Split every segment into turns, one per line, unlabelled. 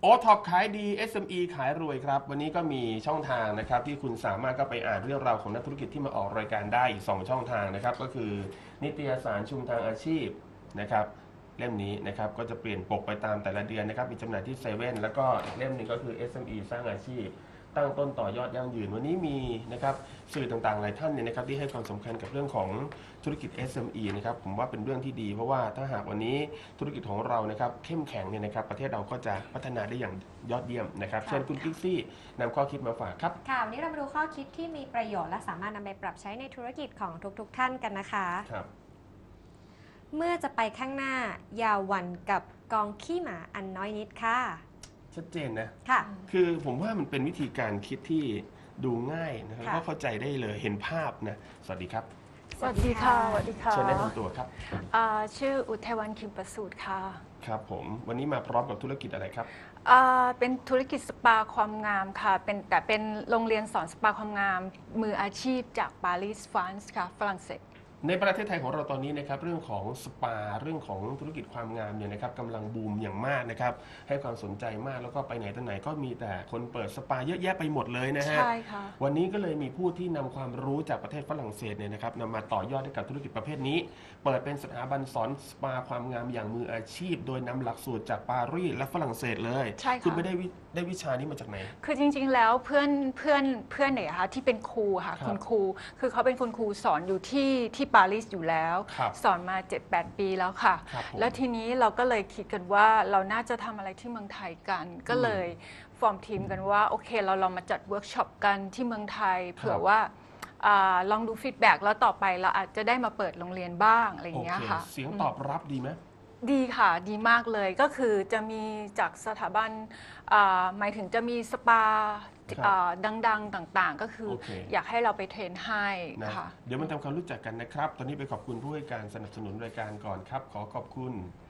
โอท็อปขายดี SME ขายรวยครับวันนี้ก็มีช่องทางนะครับที่คุณสามารถก็ไปอ่านเรื่องราวของนักธุรกิจที่มาออกรายการได้อีก2ช่องทางนะครับก็คือนิตยสารชุมทางอาชีพนะครับเล่มนี้นะครับก็จะเปลี่ยนปกไปตามแต่ละเดือนนะครับมีจำหน่ายที่เซเว่นแล้วก็เล่มหนึงก็คือ SME สร้างอาชีพตั้งต้นต่อยอดยั่งยืนวันนี้มีนะครับสื่อต่างๆหลายท่านเนี่ยนะครับที่ให้ความสำคัญกับเรื่องของธุรกิจ SME นะครับผมว่าเป็นเรื่องที่ดีเพราะว่าถ้าหากวันนี้ธุรกิจของเรานะครับเข้มแข็งเนี่ยนะครับประเทศเราก็จะพัฒนาได้อย่างยอดเยี่ยมนะครับเชิญคุณกิ๊กซี่นำข้อคิดมาฝากครับ
ค่ะวันนี้เรามาดูข้อคิดที่มีประโยชน์และสามารถนำไปปรับใช้ในธุรกิจของทุกๆท่านกันนะคะ
ครับ
เมื่อจะไปข้างหน้าอย่าหวั่นกับกองขี้หมาอันน้อยนิดค่ะ
ชัดเจนนะ
ค่ะ
คือผมว่ามันเป็นวิธีการคิดที่ดูง่ายนะครับก็เข้าใจได้เลยเห็นภาพนะสวัสดีครับ
สวัสดีค่ะสวัสดีค่ะ
เชิญแนะนำตัวครับ
ชื่ออุทัยวันคิมประสูตรค่ะ
ครับผมวันนี้มาพร้อมกับธุรกิจอะไรครับ
เป็นธุรกิจสปาความงามค่ะเป็นโรงเรียนสอนสปาความงามมืออาชีพจากปารีสฝรั่งเศสค่ะฝรั่งเศส
ในประเทศไทยของเราตอนนี้นะครับเรื่องของสปาเรื่องของธุรกิจความงามเนี่ยนะครับกำลังบูมอย่างมากนะครับให้ความสนใจมากแล้วก็ไปไหนต่อไหนก็มีแต่คนเปิดสปาเยอะแยะไปหมดเลยนะฮะ
ใช่ค่ะ
วันนี้ก็เลยมีผู้ที่นำความรู้จากประเทศฝรั่งเศสเนี่ยนะครับนำมาต่อยอดให้กับธุรกิจประเภทนี้เปิดเป็นสถาบันสอนสปาความงามอย่างมืออาชีพ โดยนำหลักสูตรจากปารีสและฝรั่งเศสเลย
ใช่ค่ะ
คุณไปได้วิชานี้มาจากไหน
คือจริงๆแล้วเพื่อนเนี่ยค่ะที่เป็นครูค่ะคุณครูคือเขาเป็นคุณครูสอนอยู่ที่ปารีสอยู่แล้วสอนมา 7-8 ปีแล้วค่ะแล้วทีนี้เราก็เลยคิดกันว่าเราน่าจะทำอะไรที่เมืองไทยกันก็เลยฟอร์มทีมกันว่าโอเคเราลองมาจัดเวิร์กช็อปกันที่เมืองไทยเผื่อว่าลองดูฟีดแบ็กแล้วต่อไปเราอาจจะได้มาเปิดโรงเรียนบ้างอะไรอย่างเงี้ยค่ะ
เสียงตอบรับดีไหม
ดีค่ะดีมากเลยก็คือจะมีจากสถาบันหมายถึงจะมีสปาดังๆต่างๆก็คืออยากให้เราไปเทรนให้ค่ะ
เดี๋ยวมันทำความรู้จักกันนะครับตอนนี้ไปขอบคุณผู้ให้การสนับสนุนรายการก่อนครับขอขอบคุณ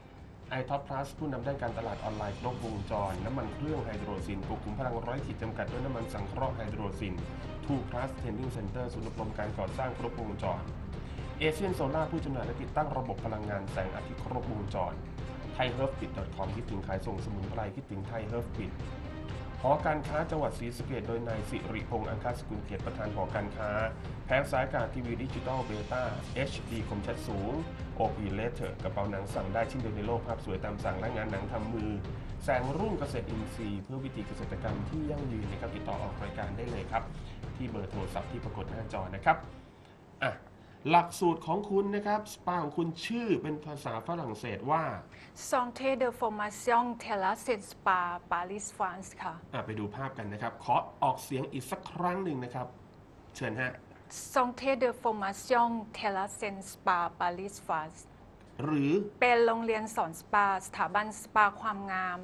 iTop Plus ผู้นำด้านการตลาดออนไลน์ครบวงจรน้ำมันเครื่องไฮโดรซินปลุกขุมพลังร้อยขีดจำกัดด้วยน้ำมันสังเคราะห์ไฮโดรซิน 2 Plus Training Center ศูนย์อบรมการก่อสร้างครบวงจรเอเชียนโซล่าผู้จำหน่ายและติดตั้งระบบพลังงานแสงอาทิตย์ครบวงจรไทยเฮิร์ฟปิด .com คิดถึงขายส่งสมุนไพรคิดถึงไทยเฮิร์ฟปิดหอการค้าจังหวัดศรีสะเกษโดยนายสิริพงษ์อังคาสกุลเกียรติประธานหอการค้าแผงสายการทีวีดิจิตอลเบต้า HD คมชัดสูง OP Letter กระเป๋าหนังสั่งได้ชิ้นเดียวในโลกภาพสวยตามสั่งและงานหนังทำมือแสงรุ่งเกษตรอินทรีย์เพื่อวิธีเกษตรกรรมที่ยั่งยืนนะครับติดต่อออกรายการได้เลยครับที่เบอร์โทรศัพท์ที่ปรากฏหน้าจอนะครับหลักสูตรของคุณนะครับสปาของคุณชื่อเป็นภาษาฝรั่งเศสว่า
Santé de Formation Terrasse Spa Paris France ค่ะ
ไปดูภาพกันนะครับขอออกเสียงอีกสักครั้งหนึ่งนะครับเชิญฮะ
Santé de Formation Terrasse Spa Paris France
หรือ
เป็นโรงเรียนสอนสปาสถาบันสปาความงาม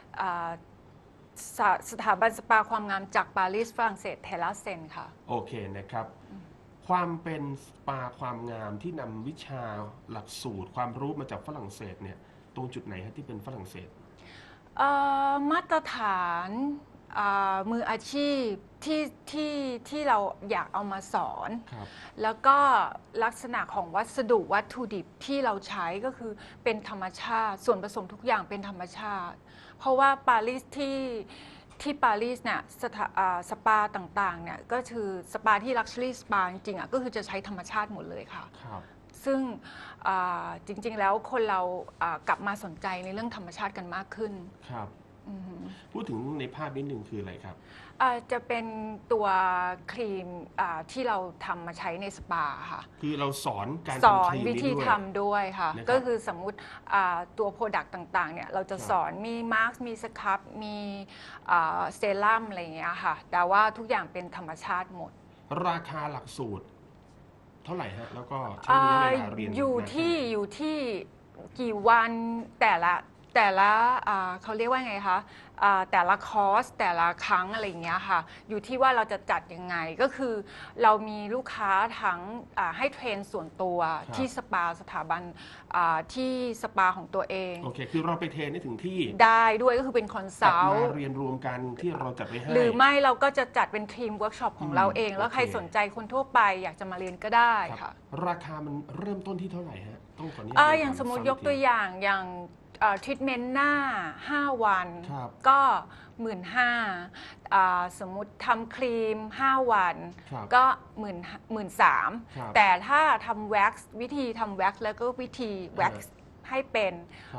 สถาบันสปาความงามจากปารีสฝรั่งเศสเทราเซนค่ะ
โอเคนะครับความเป็นสปาความงามที่นำวิชาหลักสูตรความรู้มาจากฝรั่งเศสเนี่ยตรงจุดไหนฮะที่เป็นฝรั่งเศส
มาตรฐานมืออาชีพที่เราอยากเอามาสอนแล้วก็ลักษณะของวัตถุดิบที่เราใช้ก็คือเป็นธรรมชาติส่วนผสมทุกอย่างเป็นธรรมชาติเพราะว่าปารีสที่ปารีสเนี่ยสปาต่างๆเนี่ยก็คือสปาที่ลักชัวรี่สปาจริงๆก็คือจะใช้ธรรมชาติหมดเลยค่ะซึ่งจริงๆแล้วคนเรากลับมาสนใจในเรื่องธรรมชาติกันมากขึ้น
ครับพูดถึงในภาพนิดหนึ่งคืออะไรครับ
จะเป็นตัวครีมที่เราทำมาใช้ในสปาค่ะ
คือเราสอนการ
สอนวิธีทำด้วยค่ะก็คือสมมุติตัวโปรดักต์ต่างๆเนี่ยเราจะสอนมีมาร์กมีสครับมีเซรั่มอะไรอย่างเงี้ยค่ะแต่ว่าทุกอย่างเป็นธรรมชาติหมด
ราคาหลักสูตรเท่าไหร่ฮะแล้วก็ใช้ระยะเวลาเรียน
อยู่ที่กี่วันแต่ละเขาเรียกว่าไงคะแต่ละคอร์สแต่ละครั้งอะไรอย่างเงี้ยค่ะอยู่ที่ว่าเราจะจัดยังไงก็คือเรามีลูกค้าทั้งให้เทรนส่วนตัวที่สปาสถาบันที่สปาของตัวเอง
โอเคคือเราไปเทรนได้ถึงที่
ได้ด้วยก็คือเป็นคอนซัลท์
เรียนรวมกันที่เราจัดไว้ให้
หรือไม่เราก็จะจัดเป็นทีมเวิร์กช็อปของเราเองแล้วใครสนใจคนทั่วไปอยากจะมาเรียนก็ได้ค่ะ
ราคามันเริ่มต้นที่เท่าไหร่ฮะต้องขออนุญาต
อย่างสมมติยกตัวอย่างทรีทเมนต์หน้า 5 วัน
ครับ
ก็ 15,000สมมุติทำครีม 5 วัน
ครับ
ก็
ครับ
13,000แต่ถ้าทำแว็กซ์วิธีทำแว็กซ์แล้วก็วิธีแว็กซ์ให้เป็น
ครับ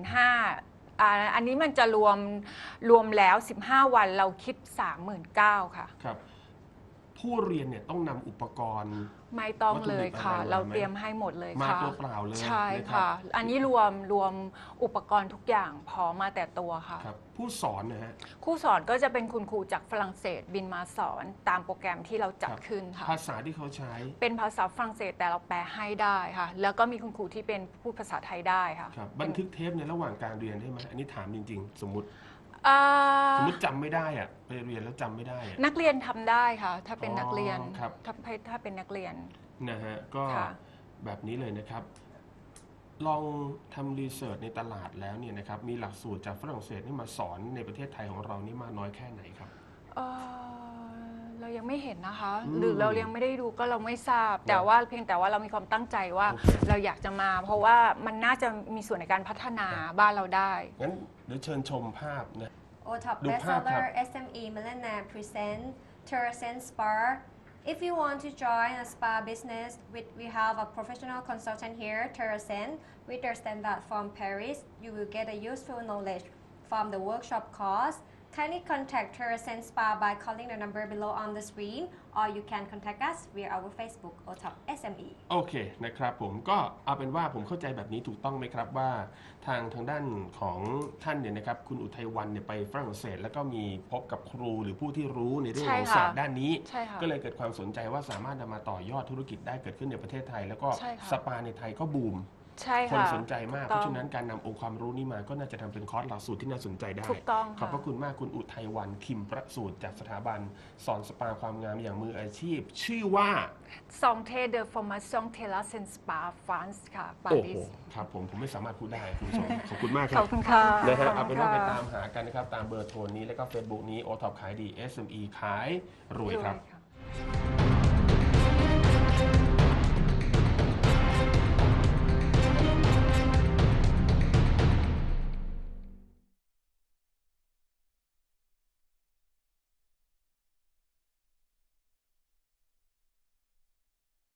15,000อันนี้มันจะรวมแล้ว 15 วันเราคิด 39,000 ค่ะ
ครับ ผู้เรียนเนี่ยต้องนำอุปกรณ์
ไม่ต้องเลยค่ะ
วัตถุดิบอะไรมาไหม
เราเตรียมให้หมดเลย
มา
ค่ะ
ตัวเปล่าเลย
ใช่
นรับ
ค่ะ อันนี้รวมอุปกรณ์ทุกอย่างพร้อมมาแต่ตัวค่ะ
ครับ ผู้สอนนะฮะ
ครูสอนก็จะเป็นคุณครูจากฝรั่งเศสบินมาสอนตามโปรแกรมที่เราจัด
ครับ
ขึ้นค่ะ
ภาษาที่เขาใช้
เป็นภาษาฝรั่งเศสแต่เราแปลให้ได้ค่ะ แล้วก็มีคุณครูที่เป็นพูดภาษาไทยได้ค่ะ
ครับ บันทึกเทปในระหว่างการเรียนได้ไหมอันนี้ถามจริง ๆ สมมติ
อ่า
จำไม่ได้อะไปเรียนแล้วจำไม่ได้อะ
นักเรียนทำได้ค่ะ ถ้าเป็นนักเรียน
ครับ
ถ้าเป็นนักเรียน
นะฮะ ก็
ค่ะ
แบบนี้เลยนะครับ ลองทำรีเสิร์ชในตลาดแล้วเนี่ยนะครับ มีหลักสูตรจากฝรั่งเศสนี่มาสอนในประเทศไทยของเรานี่มากน้อยแค่ไหนครับ
เรายังไม่เห็นนะคะ
อืม
หรือเรายังไม่ได้ดูก็เราไม่ทราบ แต่ว่าเพียงแต่ว่าเรามีความตั้งใจว่า
โอเค
เราอยากจะมา เพราะว่ามันน่าจะมีส่วนในการพัฒนาบ้านเราได้
งั้นเดี๋ยวเชิญชมภาพนะ
OTOP
ดูภาพครับ
bestseller SME Millionaire present Terracent Spa. If you want to join a spa business, we have a professional consultant here, Terracent, with their standard from Paris. You will get a useful knowledge from the workshop course. Kindly contact Terracent Spa by calling the number below on the screen, or you can contact us via our Facebook OTOP SME.
โอเคนะครับผมก็เอาเป็นว่าผมเข้าใจแบบนี้ถูกต้องไหมครับว่าทางด้านของท่านเนี่ยนะครับคุณอุทัยวันเนี่ยไปฝรั่งเศส แล้วก็มีพบกับครูหรือผู้ที่รู้ในเรื่องของ
ใช่ค่ะ
ศาสตร์ด้านนี้
ใช่ค่ะ
ก็เลยเกิดความสนใจว่าสามารถนำมาต่อยอดธุรกิจได้เกิดขึ้นในประเทศไทย แล้วก็
ใช่ค่ะ
สปาในไทยก็บูม
ใช่
คน
ค่ะ
สนใจมาก
ถู
เพ
ต้อง
ราะฉะนั้นการนำองค์ความรู้นี้มาก็น่าจะทำเป็นคอร์สหลักสูตรที่น่าสนใจได้
ถูกต้อง
ขอบพระ
ค่ะ
คุณมากคุณอุทัยวันคิมประสูตรจากสถาบันสอนสปาความงามอย่างมืออาชีพ ชื่อว่า
ซองเทเดอร์ฟอร์มาซองเทลาเซนสปาฟรานซ์ค่ะปา
โอ้
รี
โห
ส
ครับผมไม่สามารถพูดได้คุณผู้ชม ขอบคุณมากค
ข
รั
อบบ คุณค่ะ
นะฮะ
ข
เอา
บ
เป็
คุ
น
ณ
ว่าไป
ค่ะ
ตามหากันนะครับ ตามเบอร์โทรนี้แล้วก็ Facebook นี้ OTOP ขายดี SME ขายรวยครับ
ค่ะ